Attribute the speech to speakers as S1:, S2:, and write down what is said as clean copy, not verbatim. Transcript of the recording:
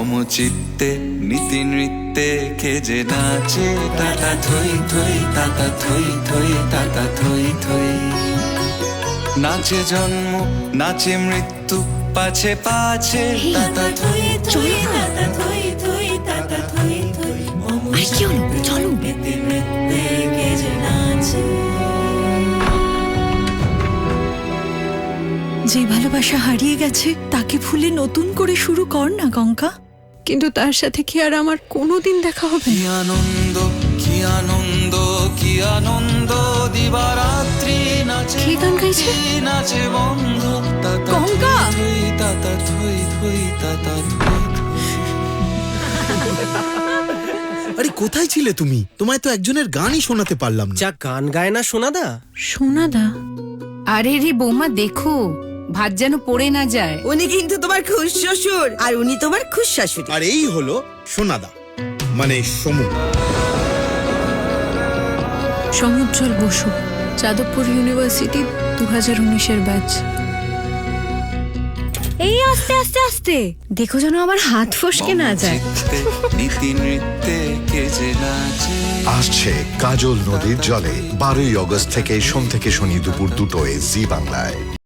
S1: মম চিত্তে নীতি নৃত্যে কে যে নাচে তাতা থই থই তাতা থই থই তাতা থই থই। নাচে জন্ম নাচে মৃত্যু পাছে পাছে তাতা থই থই তাতা থই থই তাতা থই থই।
S2: আর কি হলো, চলো।
S1: নীতি নৃত্যে কে যে নাচে।
S3: যে ভালোবাসা হারিয়ে গেছে তাকে ভুলে নতুন করে শুরু কর না গঙ্গা।
S2: কিন্তু তার সাথে কি আর আমার কোনোদিন দেখা হবে?
S1: কি আনন্দ কি আনন্দ কি আনন্দ দিবারাত্রি নাচে
S2: কে গান গাইছে?
S1: নাচে বন্ধ তাতা
S3: গঙ্গা!
S1: থই তাতা থই থই তাতা থই।
S4: আরে কোথায় ছিলে তুমি? তোমায় তো একজনের গানই শোনাতে পারলাম না।
S5: যা গান গায় না সোনাদা।
S3: সোনাদা,
S6: আরে রে বৌমা, দেখো ভাত যেন পড়ে না যায়।
S7: উনি কিন্তু তোমার খুশ শ্বশুর আর উনি তোমার খুশ শাশুড়ি।
S4: আর এই হলো সোনাদা, মানে সমু।
S3: সমুজ্জ্বল বসু, যাদবপুর ইউনিভার্সিটি 2019-এর ব্যাচ।
S2: এই আস্তে আস্তে আস্তে, দেখো যেন আমার হাত ফসকে না যায়।
S1: চিত্তে নীতি নৃত্যে কে যে নাচে।
S8: আসছে কাজল নদীর জলে 12ই অগস্ট থেকে সোম থেকে শনি দুপুর 2টোয় জি বাংলায়।